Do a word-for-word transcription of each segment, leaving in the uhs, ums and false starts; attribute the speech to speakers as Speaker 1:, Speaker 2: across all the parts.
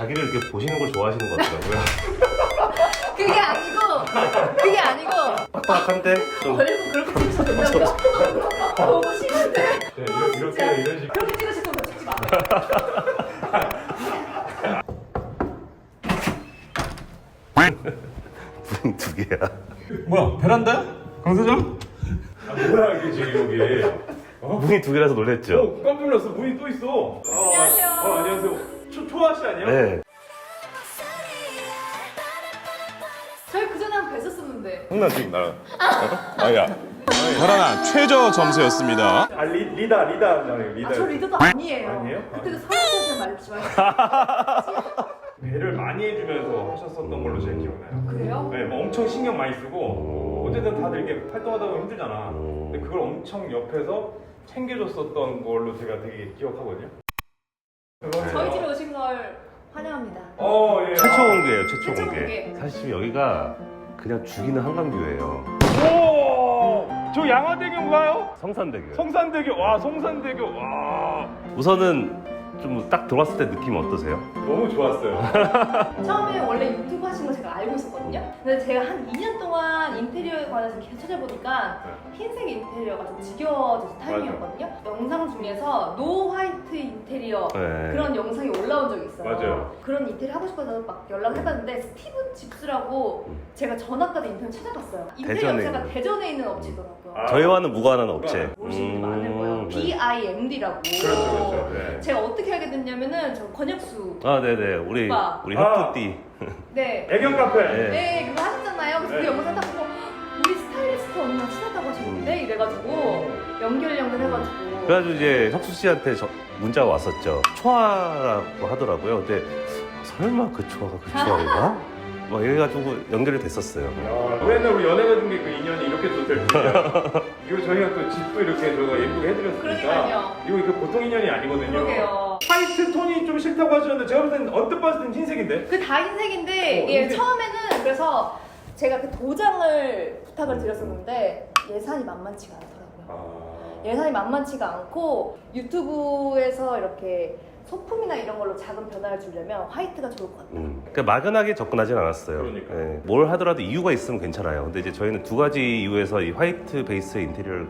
Speaker 1: 자기를 이렇게 보시는 걸 좋아하시는 것 같더라고요.
Speaker 2: 그게 아니고 그게 아니고
Speaker 1: 빡빡한데 좀
Speaker 2: 얼굴 그렇게 찍으셔도 된다고요? 너무 심한데?
Speaker 1: 네,
Speaker 2: 아,
Speaker 1: 이렇게
Speaker 2: 진짜.
Speaker 1: 이런 식으로
Speaker 2: 그렇게 찍으실 거면 찍지 마.
Speaker 1: 문 두 개야.
Speaker 3: 뭐야 베란다야? 강 사장?
Speaker 4: 아, 뭐야 이게 지금 여기? 어?
Speaker 1: 문이 두 개라서 놀랬죠?
Speaker 4: 어, 깜짝 놀랐어. 문이 또 있어. 아,
Speaker 2: 안녕하세요.
Speaker 4: 어, 안녕하세요. 초, 초아 씨 아니에요?
Speaker 1: 네.
Speaker 2: 저희 그 전에 한번 뵀었었는데.
Speaker 3: 형나 지금 나 아야 베란다 최저 점수였습니다.
Speaker 4: 아, 리, 리다, 리다. 네, 리다.
Speaker 2: 아, 저 리더도 아니에요.
Speaker 4: 아니에요?
Speaker 2: 그때도 사람들한테 말지 마요.
Speaker 4: 배를 많이 해주면서 하셨었던 걸로 제가 기억나요.
Speaker 2: 그래요?
Speaker 4: 네, 뭐 엄청 신경 많이 쓰고 어쨌든 다들 이렇게 활동하다 보면 힘들잖아. 근데 그걸 엄청 옆에서 챙겨줬었던 걸로 제가 되게 기억하거든요.
Speaker 2: 저희 집에 오신 걸 환영합니다.
Speaker 4: 어, 예.
Speaker 1: 최초 공개예요, 최초
Speaker 2: 최초
Speaker 1: 공개.
Speaker 2: 공개.
Speaker 1: 사실 지금 여기가 그냥 죽이는 한강뷰예요.
Speaker 4: 오, 저 양화대교인가요?
Speaker 1: 성산대교.
Speaker 4: 성산대교. 와, 성산대교. 와,
Speaker 1: 우선은 좀 딱 들어왔을 때 느낌 어떠세요?
Speaker 4: 너무 좋았어요.
Speaker 2: 처음에 원래 유튜브 하신 거 제가 알고 있었거든요. 근데 제가 한 이 년 동안 인테리어에 관해서 계속 찾아보니까 흰색 인테리어가 좀 지겨워져서 타이밍이었거든요. 영상 중에서 노 화이트 인테리어
Speaker 1: 네.
Speaker 2: 그런 영상이 올라온 적이 있어요.
Speaker 4: 맞아요.
Speaker 2: 그런 인테리어 하고 싶어서 막 연락을 해봤는데 스티븐 집스라고 제가 전화까지 인터넷 찾아봤어요. 인테리어
Speaker 1: 대전에
Speaker 2: 업체가
Speaker 1: 있는.
Speaker 2: 대전에 있는 업체더라고요.
Speaker 4: 아,
Speaker 1: 저희와는 무관한 업체.
Speaker 2: 모르시는 분 많을 거예요.
Speaker 1: 네.
Speaker 2: 비 아이 엠 디라고.
Speaker 4: 그렇죠, 그렇죠. 네.
Speaker 2: 제가 어떻게 알게 됐냐면은 저 권혁수.
Speaker 1: 아, 네네. 우리,
Speaker 2: 오빠.
Speaker 1: 우리
Speaker 4: 아.
Speaker 1: 혁두띠.
Speaker 2: 네.
Speaker 4: 애견 카페.
Speaker 1: 네.
Speaker 2: 네, 그거 하셨잖아요. 그래서
Speaker 4: 네.
Speaker 2: 그 영상 딱 보고 우리 스타일리스트 언니랑 친하다고 하셨는데
Speaker 1: 음.
Speaker 2: 이래가지고 연결 연결해가지고.
Speaker 1: 그래가지고 이제 혁수 씨한테 저 문자가 왔었죠. 초아라고 하더라고요. 근데 설마 그 초아가 그 초아인가? 막 이래가지고 연결이 됐었어요.
Speaker 4: 야, 맨날 우리 연애가 중에 그 인연이 이렇게 좋을 줄이야. 그리고 저희가 또 집도 이렇게 저희가 예쁘게 해드렸으니까
Speaker 2: 그러니까요.
Speaker 4: 이거 이거 보통 인연이 아니거든요.
Speaker 2: 그러게요.
Speaker 4: 화이트 톤이 좀 싫다고 하셨는데 제가 볼 때는 언뜻 봤을 땐 흰색인데?
Speaker 2: 그 다 흰색인데
Speaker 4: 어,
Speaker 2: 이게
Speaker 4: 흰색.
Speaker 2: 처음에는 그래서 제가 그 도장을 부탁을 드렸었는데 예산이 만만치가 않더라고요.
Speaker 4: 아...
Speaker 2: 예산이 만만치가 않고 유튜브에서 이렇게 소품이나 이런 걸로 작은 변화를 주려면 화이트가 좋을 것 같아요.
Speaker 1: 음. 그러니까 막연하게 접근하진 않았어요.
Speaker 4: 그러니까요.
Speaker 1: 예, 뭘 하더라도 이유가 있으면 괜찮아요. 근데 이제 저희는 두 가지 이유에서 이 화이트 베이스의 인테리어를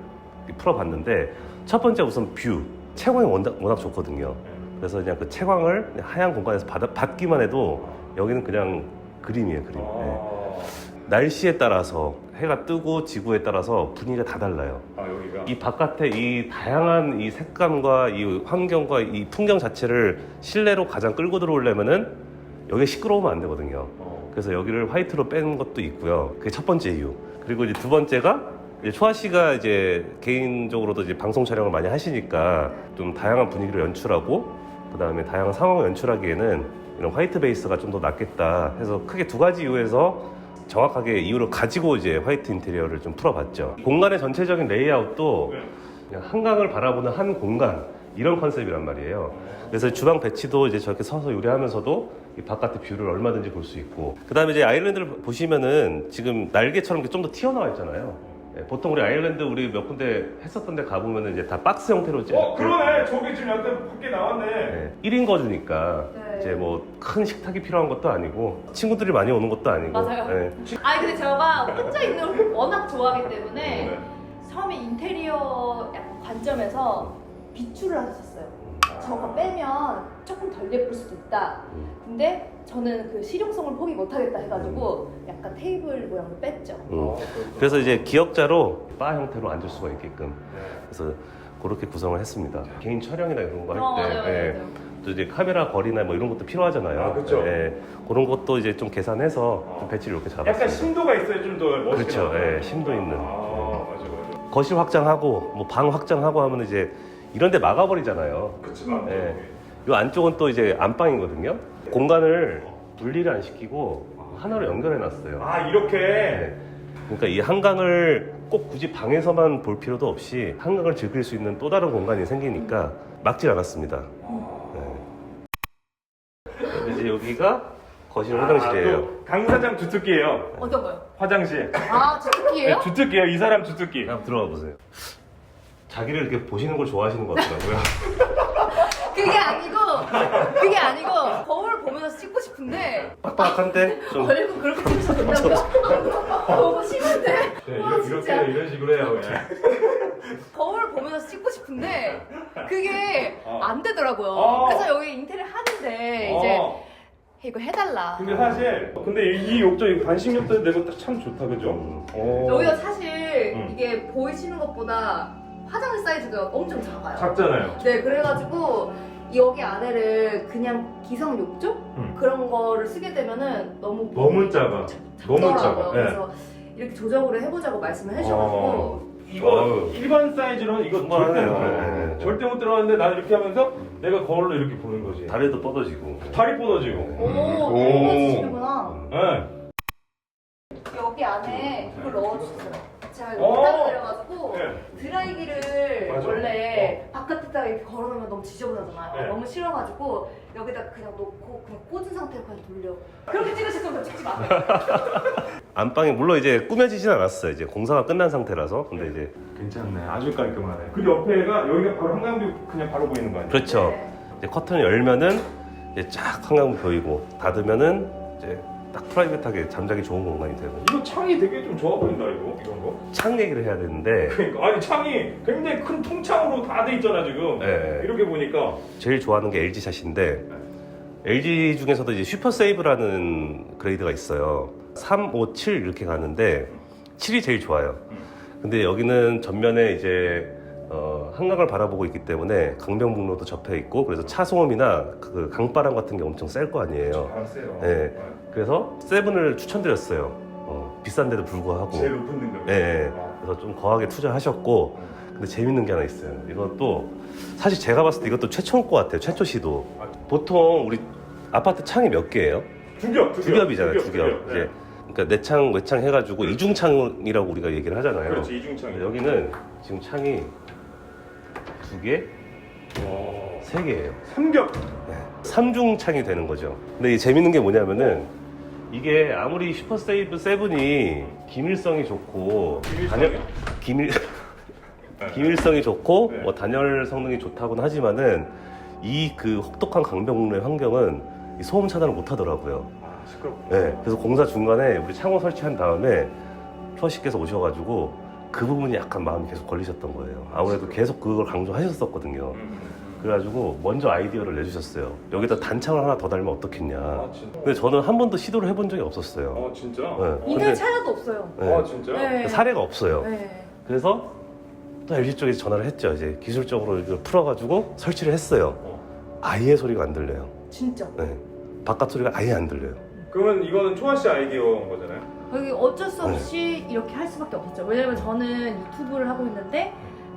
Speaker 1: 풀어봤는데 첫 번째 우선 뷰. 채광이 워낙, 워낙 좋거든요. 그래서 그냥 그 채광을 그냥 하얀 공간에서 받아, 받기만 해도 여기는 그냥 그림이에요, 그림. 예.
Speaker 4: 아...
Speaker 1: 날씨에 따라서 해가 뜨고 지구에 따라서 분위기가 다 달라요.
Speaker 4: 아 여기가
Speaker 1: 이 바깥에 이 다양한 이 색감과 이 환경과 이 풍경 자체를 실내로 가장 끌고 들어오려면은 여기 시끄러우면 안 되거든요.
Speaker 4: 어.
Speaker 1: 그래서 여기를 화이트로 뺀 것도 있고요. 그게 첫 번째 이유. 그리고 이제 두 번째가 이제 초아 씨가 이제 개인적으로도 이제 방송 촬영을 많이 하시니까 좀 다양한 분위기를 연출하고 그 다음에 다양한 상황을 연출하기에는 이런 화이트 베이스가 좀 더 낫겠다 해서 크게 두 가지 이유에서 정확하게 이유를 가지고 이제 화이트 인테리어를 좀 풀어봤죠. 공간의 전체적인 레이아웃도 그냥 한강을 바라보는 한 공간 이런 컨셉이란 말이에요. 그래서 주방 배치도 이제 저렇게 서서 요리하면서도 이 바깥의 뷰를 얼마든지 볼 수 있고 그 다음에 이제 아일랜드를 보시면은 지금 날개처럼 좀 더 튀어나와 있잖아요. 예, 보통 우리 아일랜드 우리 몇 군데 했었던 데 가보면은 이제 다 박스 형태로 이제
Speaker 4: 어 그러네. 저기 지금 약간 밖에 나왔네.
Speaker 1: 네, 일 인 거주니까
Speaker 2: 네.
Speaker 1: 이제 뭐 큰 식탁이 필요한 것도 아니고 친구들이 많이 오는 것도 아니고
Speaker 2: 맞아요.
Speaker 1: 네.
Speaker 2: 아니 근데 제가 혼자 있는 걸 워낙 좋아하기 때문에
Speaker 4: 네.
Speaker 2: 처음에 인테리어 약간 관점에서 비추를 하셨어요. 저거 빼면 조금 덜 예쁠 수도 있다. 근데 저는 그 실용성을 포기 못하겠다 해가지고 약간 테이블 모양을 뺐죠.
Speaker 1: 음.
Speaker 4: 어,
Speaker 1: 그래서 이제 기역자로 바 형태로 앉을 수가 있게끔
Speaker 4: 네.
Speaker 1: 그래서 그렇게 구성을 했습니다. 개인 촬영이나 이런 거
Speaker 2: 어,
Speaker 1: 할 때
Speaker 2: 맞아요,
Speaker 1: 예,
Speaker 2: 맞아요.
Speaker 1: 또 이제 카메라 거리나 뭐 이런 것도 필요하잖아요.
Speaker 4: 아, 그쵸.
Speaker 1: 예, 그런 것도 이제 좀 계산해서 좀 배치를 이렇게 잡았습니다.
Speaker 4: 약간 심도가 있어야 좀 더 멋있게
Speaker 1: 그렇죠.
Speaker 4: 나와요.
Speaker 1: 예, 심도 있는.
Speaker 4: 아 맞아 맞아.
Speaker 1: 거실 확장하고 뭐 방 확장하고 하면 이제 이런 데 막아버리잖아요.
Speaker 4: 그치.
Speaker 1: 예. 이 안쪽은 또 이제 안방이거든요. 공간을 분리를 안 시키고 하나로 연결해 놨어요.
Speaker 4: 아 이렇게.
Speaker 1: 네. 그러니까 이 한강을 꼭 굳이 방에서만 볼 필요도 없이 한강을 즐길 수 있는 또 다른 공간이 생기니까 막질 않았습니다. 네. 이제 여기가 거실 화장실이에요.
Speaker 4: 아, 또 강 사장 주특기예요.
Speaker 2: 어떤 거요?
Speaker 4: 화장실.
Speaker 2: 아, 주특기예요?
Speaker 4: 네, 주특기예요. 이 사람 주특기.
Speaker 1: 한번 들어가 보세요. 자기를 이렇게 보시는 걸 좋아하시는 것 같더라고요.
Speaker 2: 그게 아니고 그게 아니고 거울 보면서 찍고
Speaker 1: 빡빡한데 좀
Speaker 2: 얼굴 그렇게 찍으셔도 된다고요? 너무 심한데?
Speaker 4: 네,
Speaker 2: 와,
Speaker 4: 이렇게
Speaker 2: 진짜.
Speaker 4: 이런 식으로 해요 그냥.
Speaker 2: 거울 보면서 찍고 싶은데 그게
Speaker 4: 어.
Speaker 2: 안 되더라고요.
Speaker 4: 어.
Speaker 2: 그래서 여기 인테리어 하는데 이제
Speaker 4: 어.
Speaker 2: 이거 해달라.
Speaker 4: 근데 사실 근데 이, 이 욕조 이 반식 욕조 내고 딱 참 좋다 그죠?
Speaker 1: 음.
Speaker 4: 어.
Speaker 2: 여기가 사실
Speaker 4: 음.
Speaker 2: 이게 보이시는 것보다 화장실 사이즈가 엄청 작아요.
Speaker 4: 작잖아요.
Speaker 2: 네, 그래가지고 여기 안에를 그냥 기성 욕조
Speaker 4: 음.
Speaker 2: 그런 거를 쓰게 되면은 너무
Speaker 4: 너무 작아. 너무
Speaker 2: 작더라고요.
Speaker 4: 작아. 네.
Speaker 2: 그래서 이렇게 조정으로 해보자고 말씀을 해주셔가지고
Speaker 4: 어. 이거
Speaker 1: 어우.
Speaker 4: 일반 사이즈로는 이거 절대 못
Speaker 1: 충분하네요.
Speaker 4: 들어가요.
Speaker 1: 네, 네.
Speaker 4: 절대 못 들어가는데 난 이렇게 하면서 내가 거울로 이렇게 보는 거지.
Speaker 1: 다리도 뻗어지고.
Speaker 4: 다리 뻗어지고.
Speaker 2: 오,
Speaker 4: 오.
Speaker 2: 해주시는구나.
Speaker 4: 네.
Speaker 2: 여기 안에 이걸 넣어주세요. 제가
Speaker 4: 어.
Speaker 2: 이거 따로 내려가지고
Speaker 4: 네.
Speaker 2: 드라이기를
Speaker 4: 맞아.
Speaker 2: 원래 바깥에다가 이렇게 걸어놓으면 너무 지저분하잖아요.
Speaker 4: 네.
Speaker 2: 너무 싫어가지고 여기다 그냥 놓고 그냥 꽂은 상태로 그냥 돌려. 그렇게 찍으실 거면 찍지 마세요.
Speaker 1: 안방이 물론 이제 꾸며지진 않았어요. 이제 공사가 끝난 상태라서. 근데 이제
Speaker 4: 괜찮네. 아주 깔끔하네. 그리고 옆에가 여기가 바로 한강뷰 그냥 바로 보이는 거 아니에요?
Speaker 1: 그렇죠.
Speaker 2: 네.
Speaker 1: 이제 커튼을 열면은 이제 쫙 한강 보이고 닫으면은 이제 딱 프라이빗하게 잠자기 좋은 공간이 되고.
Speaker 4: 이거 창이 되게 좀 좋아 보인다 이거 이런 거.
Speaker 1: 창 얘기를 해야 되는데
Speaker 4: 그러니까 아니 창이 굉장히 큰 통창으로 다 돼 있잖아 지금.
Speaker 1: 네.
Speaker 4: 이렇게 보니까.
Speaker 1: 제일 좋아하는 게 엘지 샷인데 엘지 중에서도 이제 슈퍼 세이브라는 그레이드가 있어요. 삼, 오, 칠 이렇게 가는데 칠이 제일 좋아요. 근데 여기는 전면에 이제 어, 한강을 바라보고 있기 때문에 강변북로도 접해 있고 그래서 차 소음이나 그 강바람 같은 게 엄청 셀 거 아니에요.
Speaker 4: 바람 세요.
Speaker 1: 네. 그래서 세븐을 추천드렸어요. 어, 비싼데도 불구하고.
Speaker 4: 제일 높은 등급.
Speaker 1: 예, 예. 그래서 좀 거하게 투자하셨고 근데 재밌는 게 하나 있어요. 이것도 사실 제가 봤을 때 이것도 최초일 것 같아요. 최초 시도. 보통 우리 아파트 창이 몇 개예요?
Speaker 4: 두 겹, 두
Speaker 1: 두
Speaker 4: 겹.
Speaker 1: 겹이잖아요. 두 겹.
Speaker 4: 네.
Speaker 1: 이제 그러니까 내창 외창 해가지고 이중창이라고 우리가 얘기를 하잖아요.
Speaker 4: 그렇지 이중창이.
Speaker 1: 여기는 지금 창이 두 개,
Speaker 4: 어.
Speaker 1: 세 개예요.
Speaker 4: 삼겹.
Speaker 1: 네. 삼중창이 되는 거죠. 근데 이 재밌는 게 뭐냐면은 이게 아무리 슈퍼세이브 세븐이 기밀성이 좋고
Speaker 4: 기밀성이요?
Speaker 1: 단열- 기밀 기밀성이 좋고
Speaker 4: 네.
Speaker 1: 뭐 단열 성능이 좋다고는 하지만은 이 그 혹독한 강변북로의 환경은 이 소음 차단을 못 하더라고요.
Speaker 4: 아 시끄럽고.
Speaker 1: 네, 그래서 공사 중간에 우리 창호 설치한 다음에 퓨어씨께서 오셔가지고 그 부분이 약간 마음이 계속 걸리셨던 거예요. 아무래도 계속 그걸 강조하셨었거든요.
Speaker 4: 음.
Speaker 1: 그래가지고 먼저 아이디어를 내주셨어요. 여기다 단창을 하나 더 달면 어떻겠냐.
Speaker 4: 아 진짜.
Speaker 1: 근데 저는 한 번도 시도를 해본 적이 없었어요.
Speaker 4: 아 진짜.
Speaker 1: 네,
Speaker 2: 인터넷
Speaker 1: 근데
Speaker 2: 찾아도 없어요.
Speaker 1: 네,
Speaker 4: 아 진짜.
Speaker 2: 네.
Speaker 1: 사례가 없어요.
Speaker 2: 네.
Speaker 1: 그래서 또 엘지 쪽에서 전화를 했죠. 이제 기술적으로 이걸 풀어가지고 설치를 했어요.
Speaker 4: 어.
Speaker 1: 아예 소리가 안 들려요.
Speaker 2: 진짜.
Speaker 1: 네. 바깥 소리가 아예 안 들려요.
Speaker 4: 그러면 이거는 초아 씨 아이디어인 거잖아요.
Speaker 2: 여기 어쩔 수 없이 이렇게 할 수밖에 없었죠. 왜냐면 저는 유튜브를 하고 있는데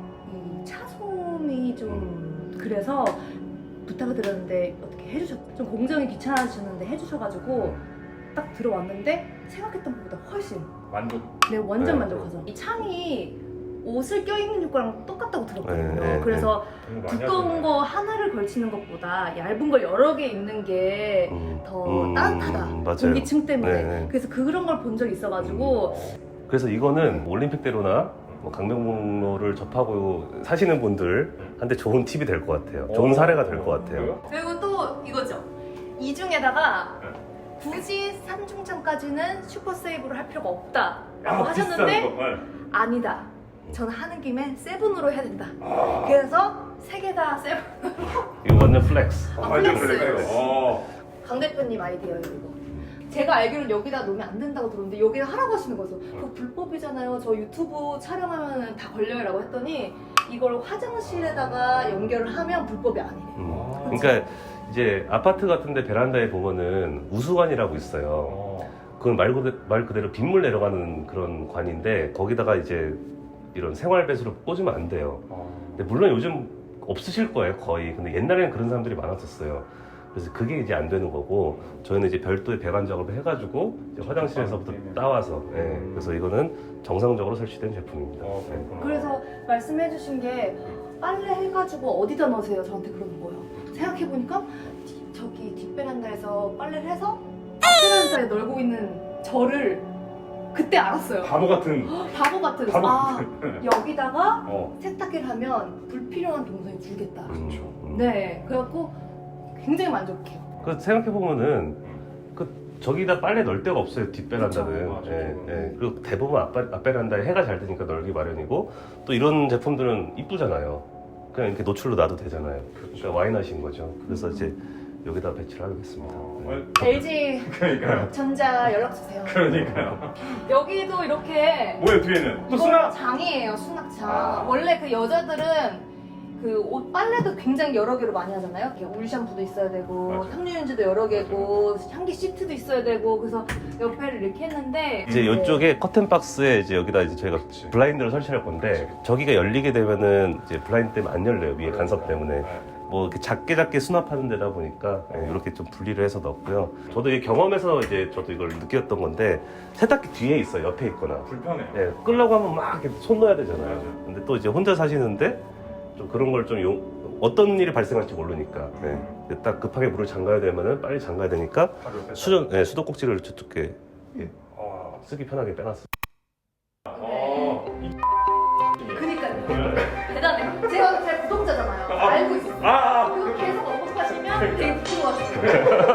Speaker 2: 이 차소음이 좀 그래서 부탁을 드렸는데 어떻게 해주셨죠? 좀 공정이 귀찮아지셨는데 해주셔가지고 딱 들어왔는데 생각했던 것보다 훨씬
Speaker 4: 만족.
Speaker 2: 네 완전
Speaker 1: 네.
Speaker 2: 만족하죠. 이 창이 옷을 껴입는 효과랑 똑같다고 들었거든요.
Speaker 1: 네, 네,
Speaker 2: 그래서
Speaker 4: 너무 많이
Speaker 2: 두꺼운
Speaker 4: 하셨네.
Speaker 2: 거 하나를 걸치는 것보다 얇은 걸 여러 개 입는 게
Speaker 1: 음,
Speaker 2: 더
Speaker 1: 음,
Speaker 2: 따뜻하다.
Speaker 1: 맞아요.
Speaker 2: 공기층 때문에.
Speaker 1: 네, 네.
Speaker 2: 그래서 그런 걸 본 적이 있어가지고
Speaker 1: 그래서 이거는 올림픽대로나 뭐 강변북로를 접하고 사시는 분들한테 좋은 팁이 될 것 같아요. 좋은 사례가 될 것 같아요.
Speaker 2: 그리고 또 이거죠. 이 중에다가
Speaker 4: 네.
Speaker 2: 굳이 삼중창까지는 슈퍼세이브를 할 필요가 없다라고
Speaker 4: 아,
Speaker 2: 하셨는데
Speaker 4: 비싼 거. 네.
Speaker 2: 아니다. 저는 하는 김에 세븐으로 해야 된다.
Speaker 4: 아.
Speaker 2: 그래서 세 개 다 세븐.
Speaker 1: 이거 완전 플렉스.
Speaker 2: 아,
Speaker 4: 완전
Speaker 2: 플렉스.
Speaker 4: 플렉스. 어.
Speaker 2: 강 대표님 아이디어예요 이거. 제가 알기로는 여기다 놓으면 안 된다고 들었는데 여기다 하라고 하시는 거죠. 그거 불법이잖아요. 저 유튜브 촬영하면 다 걸려요라고 했더니 이걸 화장실에다가 연결을 하면 불법이 아니래요.
Speaker 1: 음. 그러니까 이제 아파트 같은데 베란다에 보면은 우수관이라고 있어요.
Speaker 4: 어.
Speaker 1: 그건 말 그대로, 말 그대로 빗물 내려가는 그런 관인데 거기다가 이제 이런 생활 배수를 꽂으면 안 돼요.
Speaker 4: 어.
Speaker 1: 근데 물론 요즘 없으실 거예요 거의. 근데 옛날에는 그런 사람들이 많았었어요. 그래서 그게 이제 안 되는 거고 저희는 이제 별도의 배관 작업을 해가지고 이제 화장실에서부터 따와서 예, 그래서 이거는 정상적으로 설치된 제품입니다.
Speaker 4: 어,
Speaker 1: 예.
Speaker 4: 그렇구나.
Speaker 2: 그래서 말씀해주신 게 빨래 해가지고 어디다 넣으세요? 저한테 그러는 거예요. 생각해보니까 뒤- 저기 뒷베란다에서 빨래를 해서 앞베란다에 널고 있는 저를 그때 알았어요.
Speaker 4: 바보 같은.
Speaker 2: 바보 같은.
Speaker 4: 바보
Speaker 2: 아
Speaker 4: 같은.
Speaker 2: 여기다가
Speaker 4: 어.
Speaker 2: 세탁기를 하면 불필요한 동선이 줄겠다.
Speaker 1: 음, 음.
Speaker 2: 네, 그래갖고 굉장히 만족해요.
Speaker 1: 그 생각해 보면은 그 저기다 빨래 넣을 데가 없어요. 뒷베란다는.
Speaker 4: 맞아.
Speaker 1: 예, 예. 그리고 대부분 앞베, 앞베란다에 해가 잘 드니까 널기 마련이고 또 이런 제품들은 이쁘잖아요. 그냥 이렇게 노출로 놔도 되잖아요. 그러니까 와인하신 거죠. 그래서 이제 여기다 배치를 하겠습니다. 네.
Speaker 2: 엘지
Speaker 4: 그러니까요.
Speaker 2: 전자 연락 주세요.
Speaker 4: 그러니까요.
Speaker 2: 여기도 이렇게
Speaker 4: 뭐야 뒤에는? 또
Speaker 2: 이거
Speaker 4: 수납!
Speaker 2: 장이에요, 수납장.
Speaker 4: 아.
Speaker 2: 원래 그 여자들은 그 옷 빨래도 굉장히 여러 개로 많이 하잖아요. 이렇게 울 샴푸도 있어야 되고,
Speaker 4: 맞아요.
Speaker 2: 섬유유연제도 여러 개고, 향기 시트도 있어야 되고, 그래서 옆에를 이렇게 했는데
Speaker 1: 이제
Speaker 2: 네.
Speaker 1: 이쪽에 커튼 박스에 이제 여기다 이제 저희가
Speaker 4: 그치.
Speaker 1: 블라인드를 설치할 건데 저기가 열리게 되면은 이제 블라인드 때문에 안 열려요. 위에 간섭 때문에.
Speaker 4: 네.
Speaker 1: 뭐 이렇게 작게 작게 수납하는 데다 보니까 예, 이렇게 좀 분리를 해서 넣었고요. 저도 이 경험에서 이제 저도 이걸 느꼈던 건데 세탁기 뒤에 있어요. 옆에 있거나.
Speaker 4: 불편해요.
Speaker 1: 예, 끌려고 하면 막 이렇게 손 넣어야 되잖아요.
Speaker 4: 맞아요.
Speaker 1: 근데 또 이제 혼자 사시는데 좀 그런 걸 좀 어떤 일이 발생할지 모르니까 예, 딱 급하게 물을 잠가야 되면은 빨리 잠가야 되니까
Speaker 4: 바로 옆에
Speaker 1: 수전 예, 수도꼭지를 저쪽에 예,
Speaker 4: 어.
Speaker 1: 쓰기 편하게 빼놨어요.
Speaker 4: 어. 이
Speaker 2: 그니까요. 대단해. 제가 제 구독자잖아요. 알고 있어요.
Speaker 4: 아, 아.
Speaker 2: 그거 계속 언급하시면 되게 부끄러워하시죠.